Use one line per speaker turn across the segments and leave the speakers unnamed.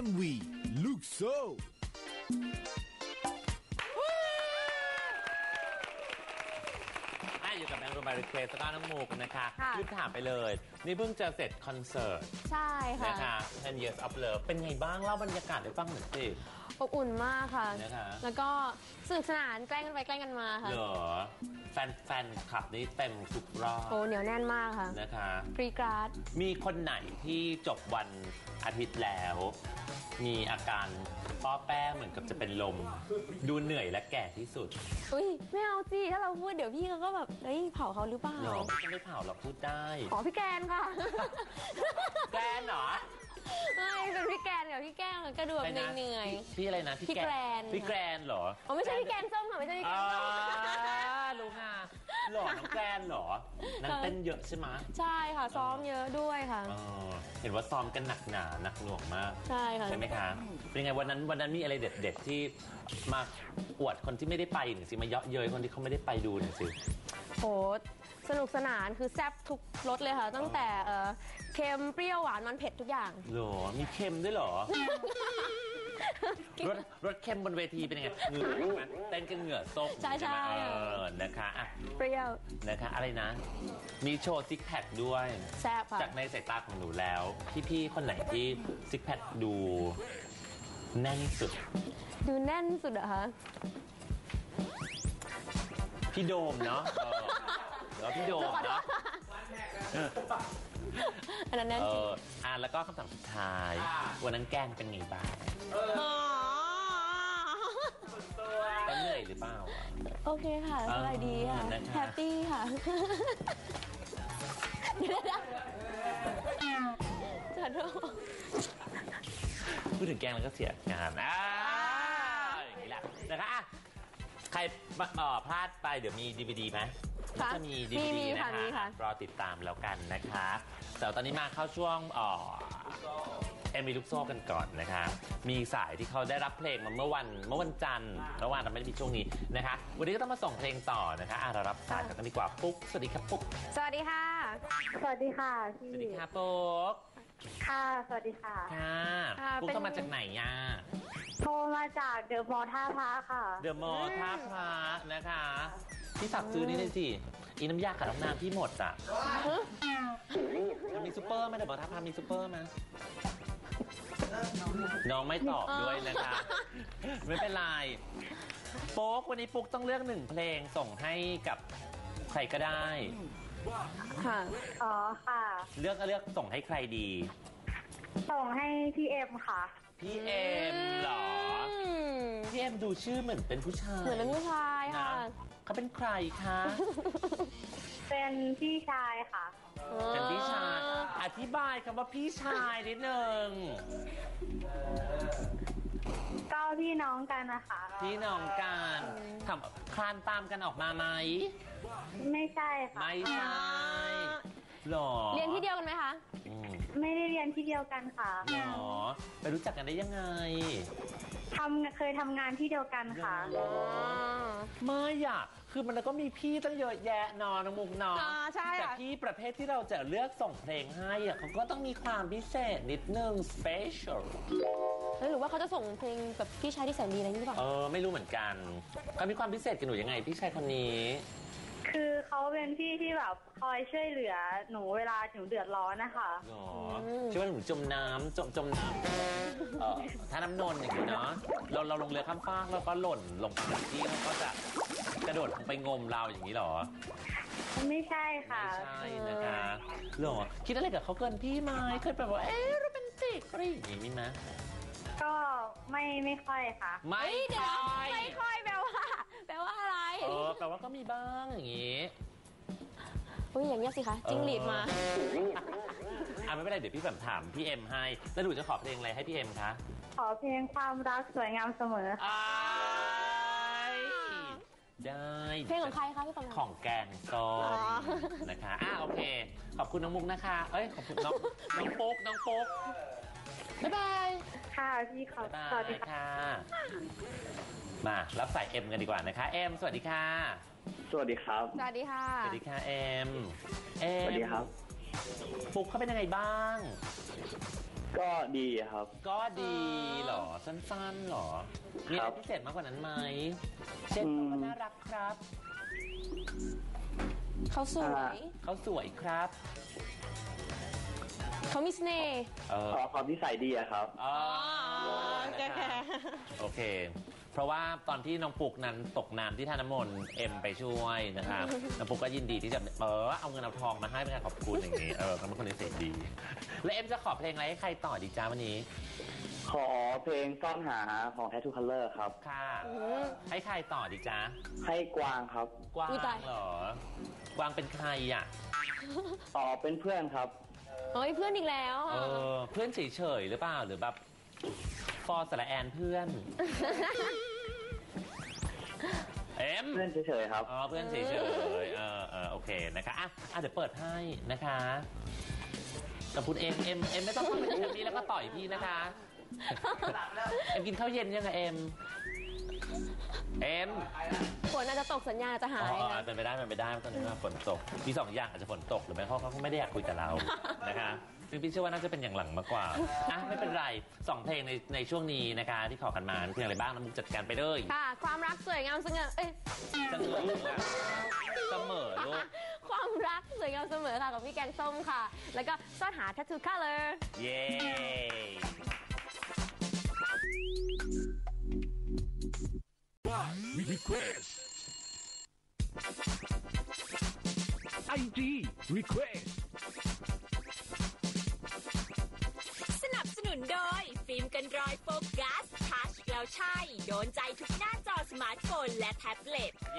MV ลูกโซ่
อยู่กับแบงค์รูมารีเควสแล้วก็น้องมูกันนะคะรีบถามไปเลยนี่เพิ่งจะเสร็จคอนเสิร์ต
ใช่ค่ะ
นะคะ10 Years of Love เป็นไงบ้างเล่าบรรยากาศให้ฟังหน่อยสิ
อบอุ่นมากค่ะ
นะคะ
แล้วก็สนุกสนานแกล้งกันไปแกล้งกันมาค่ะ
เหรอแฟนคลับนี้เต็มทุกรอบ
โอ้เหนียวแน่นมากค่ะ
นะคะ
กรี๊ดกราด
มีคนไหนที่จบวันอาทิตย์แล้วมีอาการป้อแป้เหมือนกับจะเป็นลมดูเหนื่อยและแก่ที่สุด
อุ้ยไม่เอาสิถ้าเราพูดเดี๋ยวพี่เขาก็แบบเฮ้ยเผาเขาหรือเปล่า
ไม่เผาเราพูดได้
อ๋อพี่แกนค่ะ
แกนเหรอ
ไม่เป็นพี่แกนกับพี่แก้วก็ดูแบบเหนื่อย
พี่อะไรนะ
พี่แกรน
พี่แกรนเหรอ
อ๋อไม่ใช่พี่แกนส้มค่ะไม่ใช่พี่แกนส้ม
รู้ค่ะหล่อน้องแกรนเหรอนั่งเต้นเยอะใช่ไหม
ใช่ค่ะซ้อมเยอะด้วยค่ะ
เห็นว่าซ้อมกันหนักหนาหนักหน่วงมาก
ใช่ค่ะ
ใช่ไหมคะเป็นไงวันนั้นมีอะไรเด็ดๆที่มาอวดคนที่ไม่ได้ไปหน่อยสิมาเยาะเย้ยคนที่เขาไม่ได้ไปดูหน่อยสิ
โหสนุกสนานคือแซ่บทุกรสเลยค่ะตั้งแต่เค็มเปรี้ยวหวานมันเผ็ดทุกอย่าง
หรอมีเค็มด้วยหรอรสเค็มบนเวทีเป็นยังไงเหงื่อใช่ไหมเต้นกันเหงื่อซก
ใช่ใช่
นะคะอ่ะ
เปรี้ยว
นะคะอะไรนะมีโชว์ซิกแพคด้วย
แซ่บค่ะ
จากในสายตาของหนูแล้วพี่ๆคนไหนที่ซิกแพคดูแน่นสุด
ดูแน่นสุดเหรอคะ
พี่โดมเนาะแล้วพี่โดมเนาะ
อันนั้นแน่นจริง
แล้วก็คำถามสุดท้ายวันนั้นแกล้งเป็นไงบ้างเหนื่อยหรือเปล่า
โอเคค่ะสบายดีค่ะแฮปปี้ค่ะจัดโทษ
พูดถึงแกล้งแล้วก็เสียงานอย่างนี้แหละนะคะใครพลาดไปเดี๋ยวมี DVD ไหมจะมี DVD นะคะรอติดตามแล้วกันนะคะแต่ตอนนี้มาเข้าช่วงMVลูกโซ่กันก่อนนะคะมีสายที่เขาได้รับเพลงมาเมื่อวันจันทร์เมื่อวานเราไม่ได้มีช่วงนี้นะคะวันนี้ก็ต้องมาส่งเพลงต่อนะคะเรารับสายกันดีกว่าปุ๊กสวัสดีครับปุ๊ก
สวัสดีค่ะ
สวัสดีค่ะพี่
สวัสดีค่ะปุ๊ก
ค่ะสวัสดีค่ะ
ค่ะปุ๊กต้องมาจากไหนอ่ะ
โทรมาจากเดอะมอลล์ท่าพระค่ะ
เดอะมอลล์ท่าพระนะคะพี่ฝากซื้อนี่เลยสิอีน้ำยาขัดน้ำน้ำพี่หมดอ่ะมันมีซูเปอร์ไหมเดอะมอลล์ท่าพระมีซูเปอร์ไหมน้องไม่ตอบด้วยนะคะไม่เป็นไรปุ๊กวันนี้ปุ๊กต้องเลือก1เพลงส่งให้กับใครก็ได้
ค่ะ
อ๋อค่ะ
เลือกส่งให้ใครดี
ส่งให้พี่เอ็มค่ะ
พี่เอ็มเหรอพี่เอ็มดูชื่อเหมือนเป็นผู้ชาย
เหมือนเป็นผู้ชายค่ะ
เขาเป็นใครคะ
เป็นพี่ชายค่ะ
เป็นพี่ชายอธิบายคำว่าพี่ชายนิดนึง
ก็พี่น้องกันนะคะ
พี่น้องกันคลานตามกันออกมาไหม
ไม่ใช่ค่ะ
ไม่ใช่หรอ
เรียนที่เดียวกันไหมคะ
ไม่ได้เรียนที่เดียวกันค่ะ
หรอไปรู้จักกันได้ยังไง
เคยทำงานที่เดียวกันค่ะ
ไม่อยากคือมันก็มีพี่ตั้งเยอะแยะนอนน้องมุกนอนแต่พี่ประเภทที่เราจะเลือกส่งเพลงให้เขาก็ต้องมีความพิเศษนิดนึง special
หรือว่าเขาจะส่งเพลงกับพี่ชายที่แสนดีอะไรนี่หรือเปล่า
ไม่รู้เหมือนกันเขามีความพิเศษกับหนูยังไงพี่ชายคนนี้
คือเขาเป็นพี่ที่แบบคอยช่วยเหลือหนูเวลาหนูเดือดร้อนนะคะ
ช่วยว่าหนูจมน้ำจมน้ำถ้าน้ำนนอย่างนี้เนาะเราลงเรือข้ามฟากแล้วก็หล่นลงไปที่เขาก็จะกระโดดลงไปงมเราอย่างนี้หรอ
ไม่ใช่ค่ะ
ไม่ใช่นะคะหรอคิดอะไรกับเขาเกินพี่ไหมเคยแบบว่าโรแมนติกอะไรอย่างนี้ไหม
ก็ไม่ค่อยค่ะ
ไม่
ค่อยแปลว่าอะไร
แปลว่าก็มีบ้างอย่างนี้
อย่างเงี้ยสิคะจิ้งหรีดมา
ไม่เป็นไรเดี๋ยวพี่แบบถามพี่เอ็มให้แล้วหนูจะขอเพลงอะไรให้พี่เอ็มคะ
ขอเพลงความรักสวยงามเสมอ
ได้
เพลงของใครคะพี่
ของแกงส้มนะคะโอเคขอบคุณน้องมุกนะคะขอบคุณน้องปุ๊กบ๊ายบาย
ค่ะพี่ขอบคุณสวัสดีค่ะ
มารับสายเอ็มกันดีกว่านะคะเอ็มสวัสดีค่ะ
สวัสดีครับ
สวัสดีค่ะ
สวัสดีค่ะเอ็ม
สวัสดีครับ
ปุ๊กเขาเป็นยังไงบ้าง
ก็ดีครับ
ก็ดีเหรอสั้นๆเหรอมีอะไรพิเศษมากกว่านั้นไหมเช่นเขาน่ารักครับ
เขาสวย
เขาสวยครับ
เขามีเสน่ห์
ความนิสัยดีอะครับ
โอเค เพราะว่าตอนที่น้องปุกนั้นตกน้ำที่ท่าน้ำมนต์เอ็มไปช่วยนะครับ น้องปุกก็ยินดีที่จะเอาเงินเอาทองมาให้เป็นการขอบคุณอย่างนี้เขาเป็นคนนิสัยดี แล้วเอ็มจะขอเพลงอะไรให้ใครต่อดีจ้าวันนี้
ขอเพลงซ่อนหาของ Tattoo Color ครับ
ค่ะให้ใครต่อดีจ้า
ให้กวางครับ
กวางเหรอกวางเป็นใครอ่ะ
เป็นเพื่อนครับ
เฮ้ยเพื่อนอีกแล้ว
เพื่อนเฉยๆหรือเปล่าหรือแบบฟอร์สระแอนเพื่อน เอ็ม
เพื่อนเฉยๆครับ
เพื่อนเฉยๆโอเคนะคะเดี๋ยวเปิดให้นะคะกับคุณเอ็มไม่ต้องเข้าไปที่นี้แล้วก็ต่อยพี่นะคะ เอ็มกินข้าวเย็นยังไงเอ็ม
ฝนอาจจะตกสัญญาณจะหายนะ
เป็นไปได้ตอนนี้ว่าฝนตกมี2 อย่างอาจจะฝนตกหรือไม่เขาไม่ได้อยากคุยกับเรา นะคะซึ่งพี่เชื่อว่าน่าจะเป็นอย่างหลังมากกว่าไม่เป็นไร2 เพลงในช่วงนี้นะคะที่ขอกันมาเพลงอะไรบ้างน้ำมุกจัดการไปเลย
ค่ะความรักสวยงามเสมอ
ลูก
ความรักสวยงามเสมอค่ะกับพี่แกงส้มค่ะแล้วก็ซ่อนหา Tattoo Color
เย้
Request IG Request
สนับสนุนโดยฟิล์มกันรอยโฟกัสทัชแล้วใช่โดนใจทุกหน้าจอสมาร์ทโฟนและแท็บเล็ต
เย้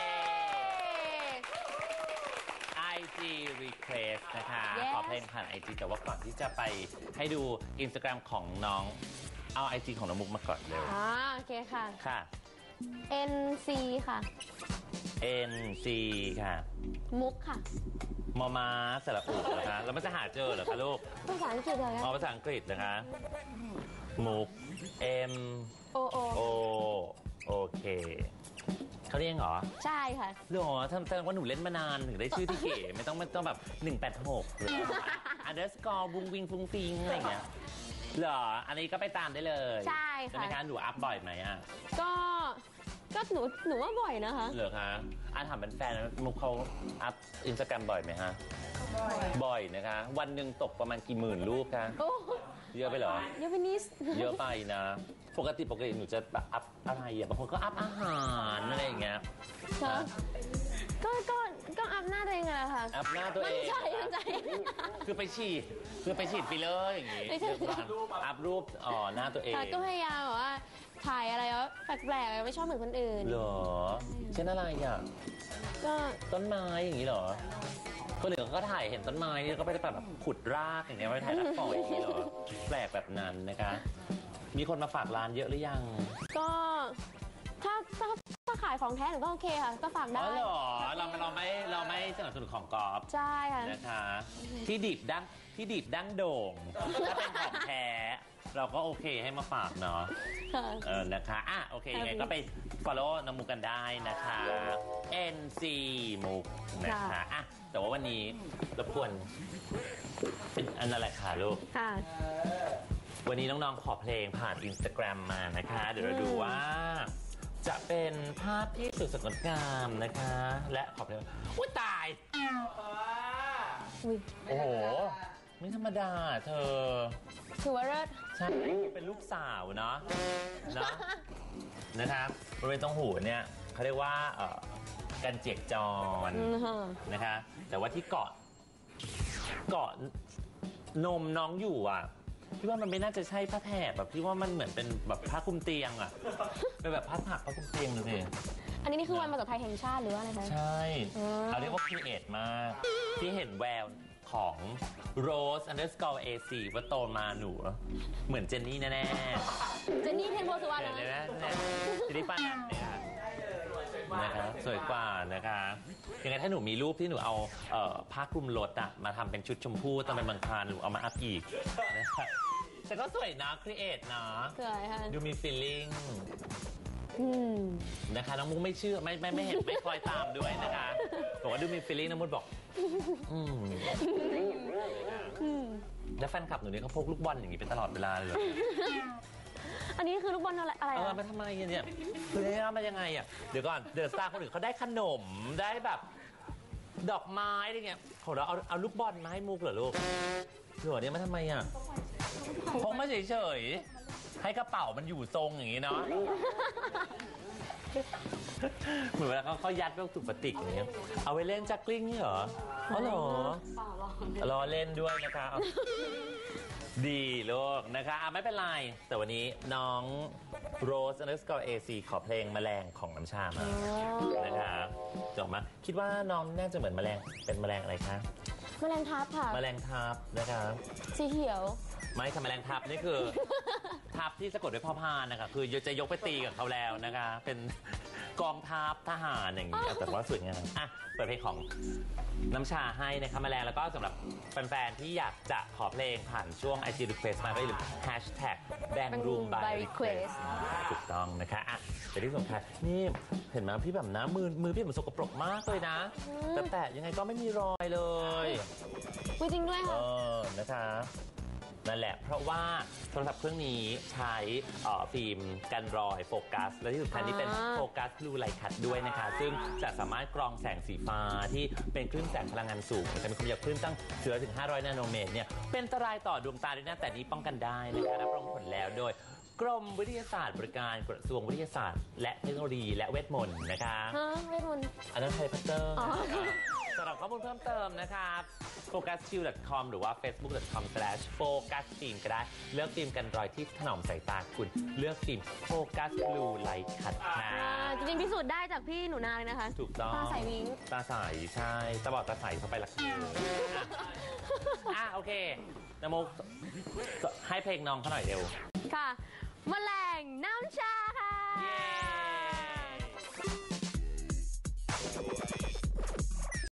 IG Request นะคะ ขอเพลงผ่าน IG แต่ว่าก่อนที่จะไปให้ดู Instagram ของน้องเอา IG ของน้องมุกมาก่อนเร็ว
โอเคค่ะ
ค่ะ
NC ค่ะ
NC ค่ะ
มุกค่ะ
มอม้าสระอุนะคะแล้วมันจะหาเจอเหรอคะลูก
ภาษาอังกฤษเหรอ
ภาษาอังกฤษนะคะมุก M
O O
โอเคเขาเรียกเหรอ
ใช่ค่ะ
หรอแสดงว่าหนูเล่นมานานถึงได้ชื่อที่เก๋ไม่ต้องแบบ186หรือ underscore บุ้งวิงฟุ้งฟิงอะไรอย่างเงี้ยเหรออันนี้ก็ไปตามได้เลย
ใช่ค่ะ
ใช่ไหมคะหนูอัพบ่อยไหมอ่ะ
ก็หนูว่าบ่อยนะคะ
เหรอคะถามเป็นแฟนมุกเขาอัพอินสตาแกรมบ่อยไหมฮะบ่อยนะคะวันหนึ่งตกประมาณกี่หมื่นรูปคะเยอะไปเหรอ
เยอะไปนิด
เยอะไปนะปกติหนูจะแบบอัพอะไรอ่ะบางคนก็อัพอาหารอะไรอย่างเงี้ย
ก็อัพหน้าตัวเองอะค่ะ
อัพหน้าตัวเอง
มันใจ
คือไปฉีดไปเลยอย่างงี้อัพรูปหน้าตัวเอง
ก็พยายามแบบว่าถ่ายอะไรแล้วแปลกๆไม่ชอบเหมือนคนอื่น
เหรอเช่นอะไรอ่ะ
ก็
ต้นไม้อย่างงี้เหรอคนอื่นก็ถ่ายเห็นต้นไม้นี่ก็ไปแบบขุดรากอย่างเงี้ยไปถ่ายรักปล่อยอย่างงี้เหรอแปลกแบบนั้นนะคะมีคนมาฝากร้านเยอะหรือยัง
ก็ถ้าขายของแท้หนูก็โอเคค่ะก็ฝากได้
เหรอเราไม่สนับสนุนของกอล์ฟ
ใช่ค่ะ
นะคะที่ดิบดั้งโด่งถ้าเป็นของแท้เราก็โอเคให้มาฝากเนาะนะคะโอเคยังไงก็ไป follow น้องมุกกันได้นะคะ NC มุกนะคะแต่ว่าวันนี้รบกวนเป็นอันนั้นแหละค่ะลูกวันนี้น้องๆขอเพลงผ่าน Instagram มานะคะเดี๋ยวเราดูว่าจะเป็นภาพที่สวยสดงดงามนะคะและขอเพลงอุ้ยตายโอ้โหไม่ธรรมดาเธอ
ถือว่าเลิศ
ใช่เป็นลูกสาวเนาะนะครับบริเวณตรงหูเนี่ยเขาเรียกว่ากันเจียกจรนะคะแต่ว่าที่เกาะนมน้องอยู่อ่ะพี่ว่ามันไม่น่าจะใช่ผ้าแถบแบบพี่ว่ามันเหมือนเป็นแบบผ้าคลุมเตียงอ่ะเป็นแบบผ้าถักผ้าคลุมเตียงเลย
อันนี้คือวันภาษาไทยแห่งชาติหรือว่าอะไรคะ
ใช่เขาเรียกว่าครีเอทมากที่เห็นแววของ Rose_AC ว่าโตมาหนูเหมือนเจนนี่แน่
ๆเจนนี่เทนโพสุวรรณ
นะเจนนี่ป้านันเนี่ยนะคะสวยกว่านะคะยังไงถ้าหนูมีรูปที่หนูเอาผ้าคลุมรถอะมาทำเป็นชุดชมพูตอนเป็นบางครานหนูเอามาอัพอีกนะคะแต่ก็สวยนะครีเอทนะ
สวยค่ะ
ดูมี feeling นะคะน้องมุกไม่เชื่อไม่เห็นไม่คอยตามด้วยนะคะบอกว่าดูมี feeling น้องมุกบอกแล้วแฟนคลับหนูนี่เขาพกลูกบอลอย่างนี้เป็นตลอดเวลาเลยเหรอ
อันนี้คือลูกบอลอะไร
มาทำไมเนี่ยคือเนี่ยมายังไงอ่ะเดี๋ยวก่อนเดอะสตาร์คนอื่นเขาได้ขนมได้แบบดอกไม้อะไรเงี้ยของเราเอาลูกบอลมาให้มุกเหรอลูกหนูเนี่ยมาทำไมอ่ะพกมาเฉยๆให้กระเป๋ามันอยู่ทรงอย่างนี้เนาะเหมือนเวลาเขายัดพวกถุงพลาสติกอย่างเงี้ยเอาไว้เล่นจักกลิ้งนี่เหรออ๋อเหรอรอเล่นด้วยนะคะดีลูกนะคะไม่เป็นไรแต่วันนี้น้องโรส_AC ขอเพลงแมลงของน้ำชามานะคะจบมาคิดว่าน้องน่าจะเหมือนแมลงเป็นแมลงอะไรคะ
แมลงทับค่ะ
แมลงทับนะคะ
สีเขียว
ไม่ค่ะแมลงทับนี่คือ ทับที่สะกดด้วยพ่อพานนะคะคือจะยกไปตีกับเขาแล้วนะคะเป็นกองทัพทหารอย่างนี้แต่ว่าสวยงามอ่ะเปิดเพลงของน้ำชาให้นะคะแมลงแล้วก็สำหรับแฟนๆที่อยากจะขอเพลงผ่านช่วง IG Request มาก็อย่าลืม #Bangroom by Request ถูกต้องนะคะอ่ะแต่ที่สำคัญนี่เห็นไหมพี่แบบนะมือพี่แบบสกปรกมากเลยนะแต่ยังไงก็ไม่มีรอยเลย
จริงด้วยค่ะ
นะคะนั่นแหละเพราะว่าโทรศัพท์เครื่องนี้ใช้ฟิล์มกันรอยโฟกัสและที่สำคัญนี่เป็นโฟกัสบลูไลท์คัทด้วยนะคะซึ่งจะสามารถกรองแสงสีฟ้าที่เป็นคลื่นแสงพลังงานสูงจะมีความยาวคลื่นตั้งถึง500 นาโนเมตรเนี่ยเป็นอันตรายต่อดวงตาด้วยนะแต่นี้ป้องกันได้นะคะรับรองผลแล้วโดยกรมวิทยาศาสตร์บริการกระทรวงวิทยาศาสตร์และเทคโนโลยีและเวทมนต์นะคะ
เวทมนต์
อันนั้นไทยพัตเตอร์สำหรับข้อมูลเพิ่มเติมนะครับ focuschill.com หรือว่า facebook.com/focusfilm ก็ได้เลือกฟิล์มกันรอยที่ถนอมสายตาคุณเลือกฟิล์ม Focus Blue Light Cut ค่ะ
จริงๆพิสูจน์ได้จากพี่หนูนาเลยนะคะ
ถูกต้อง
ตาใสวิ้ง
ตาใสใช่ตาบอดตาใสเข้าไปละโอเคน้ำมุกให้เพลงน้องเขาหน่อยเร็ว
ค่ะแมลงน้